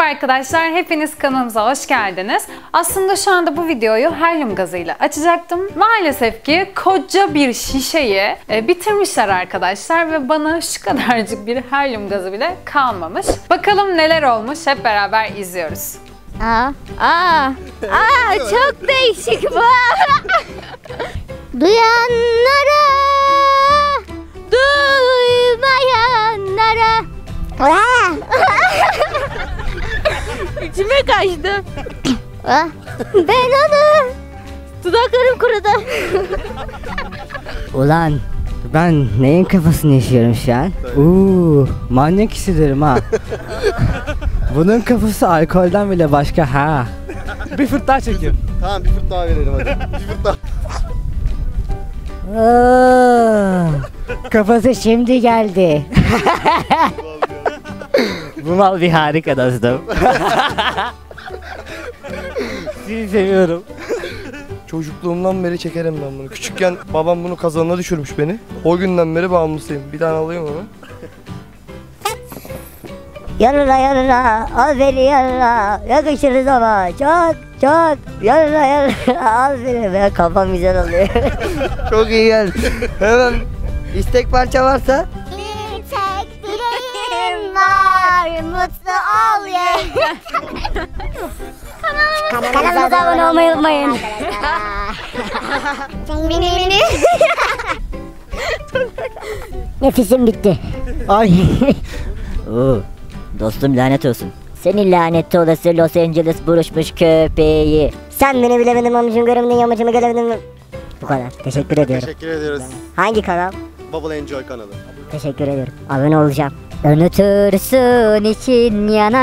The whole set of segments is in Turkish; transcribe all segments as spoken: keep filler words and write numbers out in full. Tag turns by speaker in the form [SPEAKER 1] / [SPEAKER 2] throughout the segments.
[SPEAKER 1] Merhaba arkadaşlar, hepiniz kanalımıza hoş geldiniz. Aslında şu anda bu videoyu helyum gazıyla açacaktım. Maalesef ki koca bir şişeyi e, bitirmişler arkadaşlar ve bana şu kadarcık bir helyum gazı bile kalmamış. Bakalım neler olmuş, hep beraber izliyoruz.
[SPEAKER 2] Aa, aa, aa çok değişik bu. Duyanlara, duymayanlara. İçime kaçtı. Ben onu. Dudaklarım kurudu.
[SPEAKER 3] Ulan ben neyin kafasını yaşıyorum şu an? Uuu manyak hissederim ha. Bunun kafası alkolden bile başka ha. Bir fırt daha çekeyim.
[SPEAKER 4] Tamam bir fırt daha verelim hadi. Bir fırt daha.
[SPEAKER 3] Oo, kafası şimdi geldi. Bu mal bir harika dostum. Sizi seviyorum.
[SPEAKER 4] Çocukluğumdan beri çekerim ben bunu. Küçükken babam bunu kazanına düşürmüş beni. O günden beri bağımlısıyım. Bir tane alayım onu.
[SPEAKER 3] Yarına yarına al beni yarına yakışırız ama çok çok yarına yarına al beni. Benim kafam güzel oluyor. Çok iyi geldi. Hemen istek parça varsa.
[SPEAKER 2] Bir tek dileğim var, mutlu ol ye. Kanalımıza abone olmayı unutmayın. Mini mini.
[SPEAKER 3] Nefesim bitti. Ay. Oo, dostum lanet olsun. Senin lanet olası Los Angeles buruşmuş köpeği. Sen beni bilemedin amcım, göremedin yamacımı gelemedin. Bu kadar. Teşekkür ediyorum.
[SPEAKER 4] Teşekkür ediyoruz.
[SPEAKER 3] Hangi kanal?
[SPEAKER 4] Bubble Enjoy kanalı.
[SPEAKER 3] Teşekkür ederim. Abone olacağım. Unutursun için yana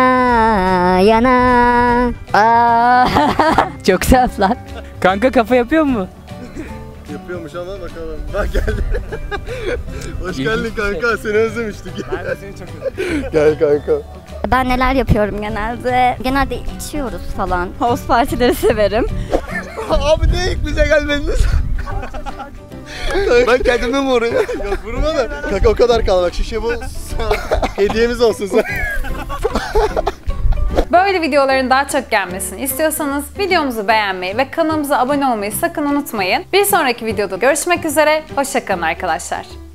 [SPEAKER 3] yana. Aa, çok saf lan. Kanka kafa yapıyor mu?
[SPEAKER 4] Yapıyormuş ama bakalım. Bak geldi. Hoş geldin kanka. Seni özlemiştik.
[SPEAKER 5] Ben de seni çok özledim.
[SPEAKER 4] Gel kanka.
[SPEAKER 2] Ben neler yapıyorum genelde? Genelde içiyoruz falan. House partileri severim.
[SPEAKER 4] Abi ne ilk bize gelmediniz? Ben kendime mi vurayım? Yok vurma da. Kanka o kadar kal bak şişe bu. Hediyemiz olsun sen.
[SPEAKER 1] Böyle videoların daha çok gelmesini istiyorsanız videomuzu beğenmeyi ve kanalımıza abone olmayı sakın unutmayın. Bir sonraki videoda görüşmek üzere, hoşça kalın arkadaşlar.